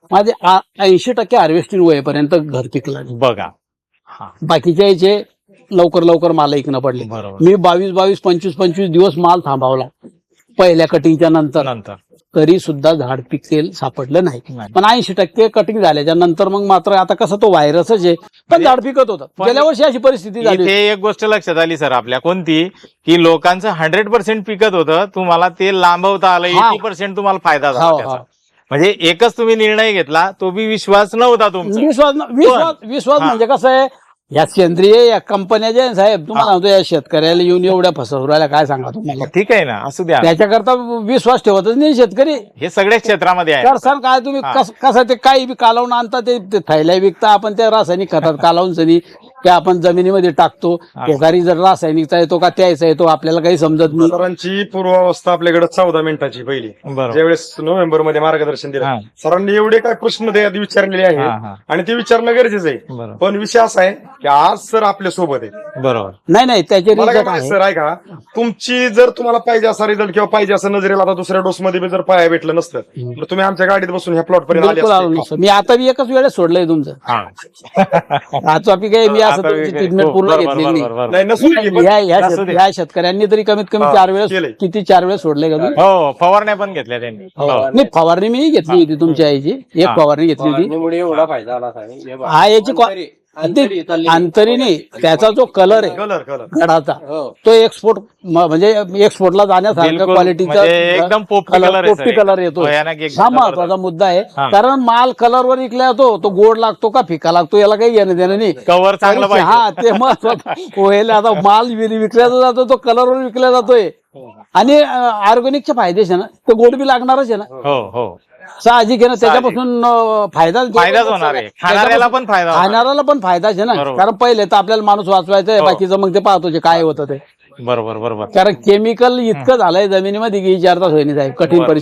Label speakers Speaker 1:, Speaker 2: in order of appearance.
Speaker 1: माझे 80% हार्वेस्टिंग होईपर्यंत घर पिकलं.
Speaker 2: बघा.
Speaker 1: बाकीच्या याचे लवकर लवकर माल ऐकणं पडले.
Speaker 2: बरोबर.
Speaker 1: मी 22 25 दिवस माल थांबवला पहिल्या कटिंगच्या नंतर, तरी सुद्धा झाड पिकेल सापडलं नाही. पण 80% कटिंग झाल्याच्या नंतर मग मात्र आता कसं तो व्हायरसच आहे, पण झाड पिकत होतं. गेल्या वर्षी अशी परिस्थिती झाली.
Speaker 2: इथे एक गोष्ट लक्षात आली सर आपल्या, कोणती, की लोकांचं 100% पिकत होतं, तुम्हाला ते लांबवता आलं, 80% तुम्हाला फायदा झाला त्याचा. म्हणजे एकच तुम्ही निर्णय घेतला, तो बी विश्वास नव्हता तुमचा.
Speaker 1: विश्वास म्हणजे कसं आहे, या सेंद्रिय या कंपन्या ज्या साहेब, तुम्हाला म्हणतो या शेतकऱ्याला येऊन एवढ्या फसवरायला काय सांगा तुम्हाला.
Speaker 2: ठीक आहे ना, असू द्या,
Speaker 1: त्याच्याकरता विश्वास ठेवतच नाही शेतकरी.
Speaker 2: हे सगळ्याच क्षेत्रामध्ये आहे.
Speaker 1: तर सर काय तुम्ही कसं ते काही बी कालवून आणता, ते थैल्या विकता, आपण त्या रासायनिक खतात कालवून सनी ते आपण जमिनीमध्ये टाकतो. शेजारी जर रासायनिकचा येतो का त्याचा येतो आपल्याला काही समजत नाही.
Speaker 3: सरांची पूर्वावस्था आपल्याकडे 14 मिनिटाची पहिली, ज्यावेळेस नोव्हेंबर मध्ये मार्गदर्शन दिलं सरांनी, एवढे काय प्रश्न विचारलेले आहेत आणि ते विचारणं गरजेचं आहे. पण विषय असा आहे की आज सर आपल्या सोबत आहे.
Speaker 2: बरोबर.
Speaker 1: नाही त्याचे
Speaker 3: सर आहे का, तुमची जर तुम्हाला पाहिजे असा रिझल्ट किंवा पाहिजे असं नजरेला आता दुसऱ्या डोस मध्ये जर पाया भेटलं नसतं तर तुम्ही आमच्या गाडीत बसून ह्या प्लॉट पर्यंत आले असते.
Speaker 1: मी आता बी एकच वेळेस सोडलंय तुमचं. आज काही मी असं ट्रीटमेंट पूर्ण घेतलेली नाही. या शेतकऱ्यांनी तरी कमीत कमी 4 वेळेस, किती 4 वेळेस सोडले का तुम्ही?
Speaker 2: हो, फवारण्या पण घेतल्या त्यांनी.
Speaker 1: नाही, फवारणी मी घेतली होती तुमच्या आईची, एक फवारणी घेतली होती.
Speaker 4: एवढा फायदा झाला.
Speaker 1: हा याची अंतरी नाही, त्याचा जो कलर आहे गडाचा, तो एक्सपोर्ट म्हणजे एक्सपोर्टला जाण्यासारखा क्वालिटीचा
Speaker 2: एकदम पोपटी
Speaker 1: कलर येतो. हा महत्वाचा मुद्दा आहे, कारण माल कलरवर विकला जातो, तो गोड लागतो का फिका लागतो याला काही घेणं देणं नाही.
Speaker 2: कव्हर चांगलं पाहिजे.
Speaker 1: हा, ते महत्वाचं. आता माल विकला जातो तो कलरवर विकला जातोय, आणि ऑर्गॅनिकचे फायदेच आहे ना, ते गोड बी लागणारच आहे ना.
Speaker 2: हो,
Speaker 1: साहजिक आहे ना, त्याच्यापासून फायदाच
Speaker 2: होणार आहे. खाणाऱ्याला पण
Speaker 1: फायदाच आहे ना. कारण पहिले तर आपल्याला माणूस वाचवायचा आहे, बाकीचं मग ते पाहतो जे काय होतं ते.
Speaker 2: बरोबर.
Speaker 1: कारण केमिकल इतकं झालंय जमिनीमध्ये की विचारताच होईनी साहेब, कठीण परिस्थिती.